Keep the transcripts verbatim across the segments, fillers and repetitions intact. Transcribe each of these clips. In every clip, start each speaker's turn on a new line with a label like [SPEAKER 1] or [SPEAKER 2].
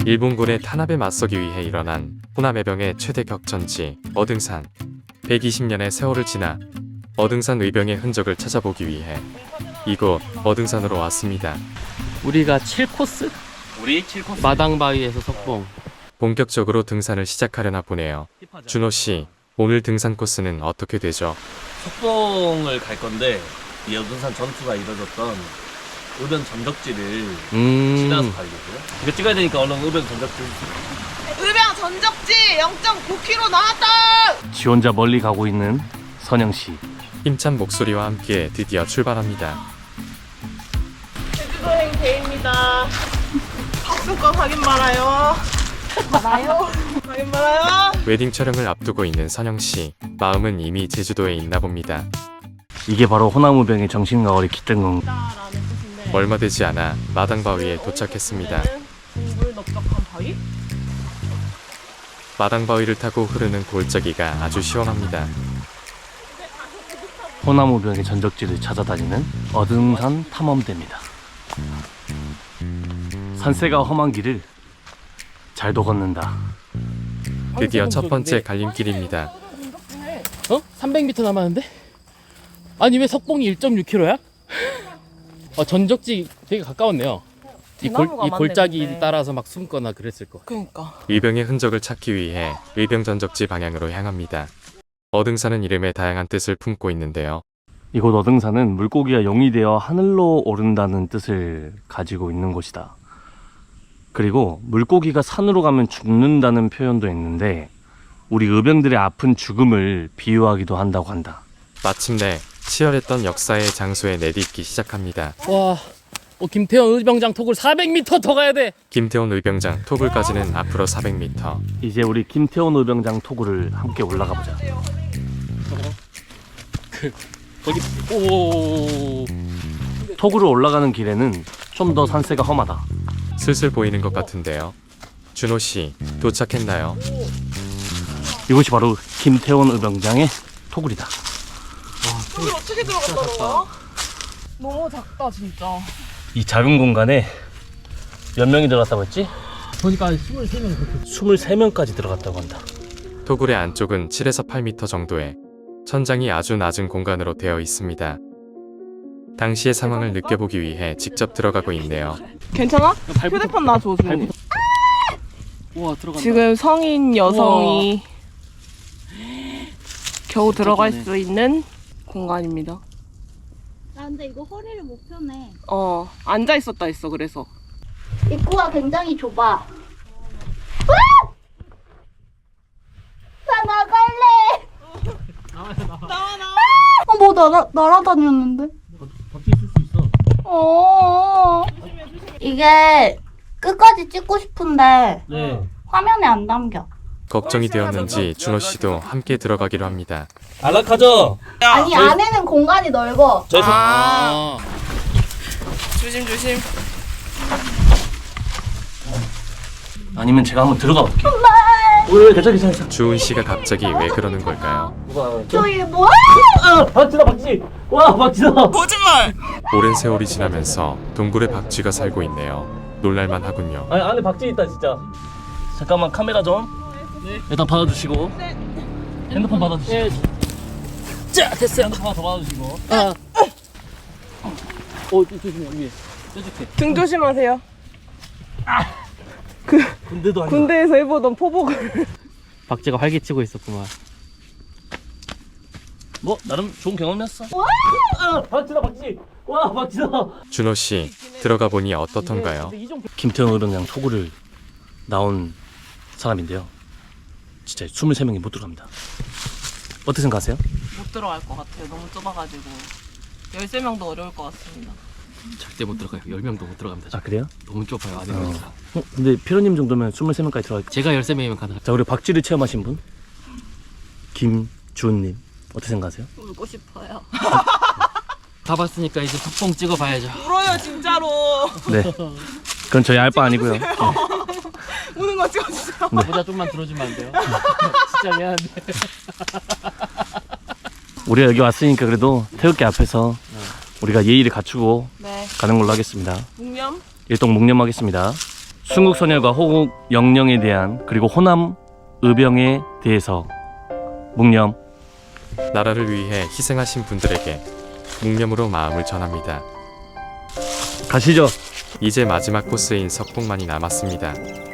[SPEAKER 1] 일본군의 탄압에 맞서기 위해 일어난 호남해병의 최대 격전지 어등산. 백이십 년의 세월을 지나 어등산 의병의 흔적을 찾아보기 위해 이곳 어등산으로 왔습니다.
[SPEAKER 2] 우리가 칠 코스?
[SPEAKER 3] 우리 칠 코스
[SPEAKER 2] 마당바위에서 석봉.
[SPEAKER 1] 본격적으로 등산을 시작하려나 보네요. 준호씨, 오늘 등산 코스는 어떻게 되죠?
[SPEAKER 3] 석봉을 갈 건데 이 여든산 전투가 이뤄졌던 의병 전적지를
[SPEAKER 2] 음.
[SPEAKER 3] 지나서 가려고요. 이거 찍어야 되니까 얼른 의병 전적지.
[SPEAKER 4] 의병 전적지 영 점 구 킬로미터 나왔다!
[SPEAKER 2] 지 혼자 멀리 가고 있는 선영씨.
[SPEAKER 1] 힘찬 목소리와 함께 드디어 출발합니다.
[SPEAKER 4] 제주도행 대입니다. 박수권 확인 말아요. 말아요? 확인 말아요?
[SPEAKER 1] 웨딩 촬영을 앞두고 있는 선영씨, 마음은 이미 제주도에 있나 봅니다.
[SPEAKER 2] 이게 바로 호남의병의 정신가월이 깃든 건.
[SPEAKER 1] 얼마 되지 않아 마당바위에 도착했습니다.
[SPEAKER 4] 물 넓적한 바위?
[SPEAKER 1] 마당바위를 타고 흐르는 골짜기가 아주 시원합니다.
[SPEAKER 2] 호남의병의 전적지를 찾아다니는 어등산 탐험대입니다. 산세가 험한 길을 잘도 걷는다.
[SPEAKER 1] 드디어 첫 번째 갈림길입니다.
[SPEAKER 5] 어? 삼백 미터 남았는데? 아니 왜 석봉이 일 점 육 킬로미터야? 어, 전적지 되게 가까웠네요. 이, 골, 이 골짜기
[SPEAKER 4] 근데.
[SPEAKER 5] 따라서 막 숨거나 그랬을 거.
[SPEAKER 4] 그러니까.
[SPEAKER 1] 의병의 흔적을 찾기 위해 의병 전적지 방향으로 향합니다. 어등산은 이름에 다양한 뜻을 품고 있는데요.
[SPEAKER 2] 이곳 어등산은 물고기가 용이 되어 하늘로 오른다는 뜻을 가지고 있는 곳이다. 그리고 물고기가 산으로 가면 죽는다는 표현도 있는데 우리 의병들의 아픈 죽음을 비유하기도 한다고 한다.
[SPEAKER 1] 마침내 치열했던 역사의 장소에 내딛기 시작합니다.
[SPEAKER 5] 와, 어, 김태현 의병장 톡을 사백 미터 더 가야 돼.
[SPEAKER 1] 김태원 의병장 토굴까지는 앞으로 사백 미터.
[SPEAKER 2] 이제 우리 김태원 의병장 토굴을 함께 올라가 보자.
[SPEAKER 5] 그 거기 오.
[SPEAKER 2] 토굴을 올라가는 길에는 좀 더 산세가 험하다.
[SPEAKER 1] 슬슬 보이는 것 같은데요. 준호씨, 도착했나요?
[SPEAKER 2] 이곳이 바로 김태원 의병장의 토굴이다.
[SPEAKER 4] 여기 어떻게 들어갔다는 거야? 너무 작다 진짜.
[SPEAKER 2] 이 작은 공간에 몇 명이 들어갔다고 했지?
[SPEAKER 5] 보니까 스물세 명 그렇게.
[SPEAKER 2] 스물세 명까지 들어갔다고 한다.
[SPEAKER 1] 토굴의 안쪽은 칠에서 팔 미터 정도의 천장이 아주 낮은 공간으로 되어 있습니다. 당시의 상황을 느껴보기 위해 직접 들어가고 있네요.
[SPEAKER 4] 괜찮아? 휴대폰 놔줘 좀.
[SPEAKER 5] 우와 들어간다.
[SPEAKER 4] 지금 성인 여성이 겨우 들어갈
[SPEAKER 5] 좋네.
[SPEAKER 4] 수 있는 공간입니다.
[SPEAKER 6] 아 근데 이거 허리를 못 펴네.
[SPEAKER 4] 어 앉아 있었다 했어 그래서.
[SPEAKER 6] 입구가 굉장히 좁아. 나 나갈래.
[SPEAKER 4] 나와 나와.
[SPEAKER 6] 어, 뭐 날아 날아다녔는데?
[SPEAKER 2] 밖에 있을 수 있어.
[SPEAKER 6] 어. 이게 끝까지 찍고 싶은데
[SPEAKER 2] 네.
[SPEAKER 6] 화면에 안 담겨.
[SPEAKER 1] 걱정이 되었는지 준호씨도 함께 들어가기로 합니다.
[SPEAKER 3] 안락하죠?
[SPEAKER 6] 아니 안에는 공간이 넓어.
[SPEAKER 3] 저희 서...
[SPEAKER 4] 아. 조심 조심.
[SPEAKER 2] 아니면 제가 한번 들어가 볼게요. 왜 괜찮아 괜찮아.
[SPEAKER 1] 주은씨가 갑자기 왜 그러는 걸까요?
[SPEAKER 6] 저기 뭐야?
[SPEAKER 2] 아 박지다 박지. 와 박지다.
[SPEAKER 4] 거짓말.
[SPEAKER 1] 오랜 세월이 지나면서 동굴에 박쥐가 살고 있네요. 놀랄만 하군요.
[SPEAKER 2] 아니 안에 박지 있다 진짜. 잠깐만 카메라 좀. 네. 일단 받아주시고. 네. 핸드폰 받아주시고. 네. 자 됐어요. 핸드폰 하나 더 받아주시고.
[SPEAKER 5] 아. 어 조심해 위에. 뾰족해.
[SPEAKER 4] 등 조심하세요.
[SPEAKER 2] 군대도 아니고.
[SPEAKER 4] 군대에서 해보던 포복을.
[SPEAKER 5] 박쥐가 활개치고 있었구만.
[SPEAKER 2] 뭐 나름 좋은 경험이었어. 아 박지다 박지. 와 박지다.
[SPEAKER 1] 준호씨, 들어가 보니 어떻던가요?
[SPEAKER 2] 김태형 의병장 토굴을 나온 사람인데요. 진짜 스물세 명이 못 들어갑니다. 어떻게 생각하세요?
[SPEAKER 4] 못 들어갈 것 같아요. 너무 좁아가지고. 열세 명도 어려울 것 같습니다.
[SPEAKER 5] 절대 못 들어가요. 열 명도 못 들어갑니다.
[SPEAKER 2] 아 그래요?
[SPEAKER 5] 너무 좁아요 안에.
[SPEAKER 2] 어. 어, 근데 피로님 정도면 스물세 명까지 들어갈.
[SPEAKER 5] 제가 열세 명이면 가능합니다.
[SPEAKER 2] 자, 우리 박쥐를 체험하신 분 김주은님 어떻게 생각하세요?
[SPEAKER 6] 울고 싶어요.
[SPEAKER 5] 다 봤으니까 이제 석봉 찍어봐야죠.
[SPEAKER 4] 울어요 진짜로.
[SPEAKER 2] 네. 그건 저희 알 바 아니고요. 네.
[SPEAKER 4] 우는 거 찍어주세요.
[SPEAKER 5] 모자 좀만 들어주면 안 돼요? 진짜 미안한데.
[SPEAKER 2] 우리가 여기 왔으니까 그래도 태극기 앞에서 우리가 예의를 갖추고
[SPEAKER 4] 네.
[SPEAKER 2] 가는 걸로 하겠습니다.
[SPEAKER 4] 묵념.
[SPEAKER 2] 일동 묵념하겠습니다. 순국선열과 호국 영령에 대한 그리고 호남 의병에 대해서 묵념.
[SPEAKER 1] 나라를 위해 희생하신 분들에게 묵념으로 마음을 전합니다.
[SPEAKER 2] 가시죠.
[SPEAKER 1] 이제 마지막 코스인 석봉만이 남았습니다.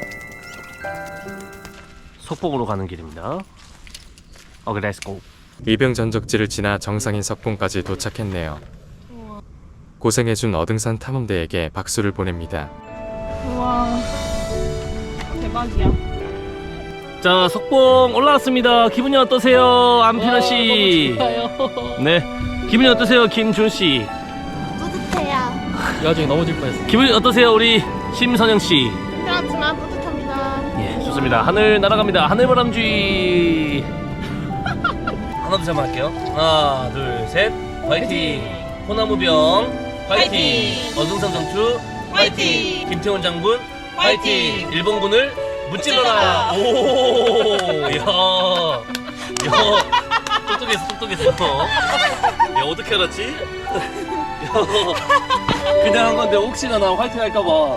[SPEAKER 2] 석봉으로 가는 길입니다. 오케이, 렛츠고.
[SPEAKER 1] 의병 전적지를 지나 정상인 석봉까지 도착했네요. 고생해준 어등산 탐험대에게 박수를 보냅니다.
[SPEAKER 4] 우와. 대박이야.
[SPEAKER 2] 자, 석봉 올라왔습니다. 기분이 어떠세요, 안피나 씨?
[SPEAKER 5] 좋아요.
[SPEAKER 2] 네, 기분이 어떠세요, 김준 씨?
[SPEAKER 6] 뿌듯해요.
[SPEAKER 5] 이 와중에 넘어질 뻔했어.
[SPEAKER 2] 기분이 어떠세요, 우리 심선영 씨?
[SPEAKER 6] 힘들었지만 뿌듯합니다.
[SPEAKER 2] 예, 좋습니다. 하늘 날아갑니다. 하늘바람쥐.
[SPEAKER 3] 하나 둘 셋 할게요. 하나 둘 셋. 화이팅. 호남우병 화이팅. 어등산 전투 화이팅. 김태훈 장군 화이팅. 일본군을 무찔러라. 오, 야, 야, 똑똑했어, 똑똑했어. 야, 어떻게 알았지? 야, 그냥 한 건데 혹시나 나 화이팅 할까봐.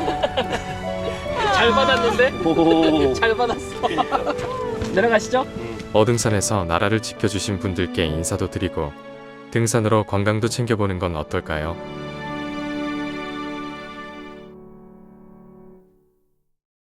[SPEAKER 5] 잘 받았는데?
[SPEAKER 2] 오.
[SPEAKER 5] 잘 받았어. 내려가시죠.
[SPEAKER 1] 어등산에서 나라를 지켜주신 분들께 인사도 드리고 등산으로 건강도 챙겨보는 건 어떨까요?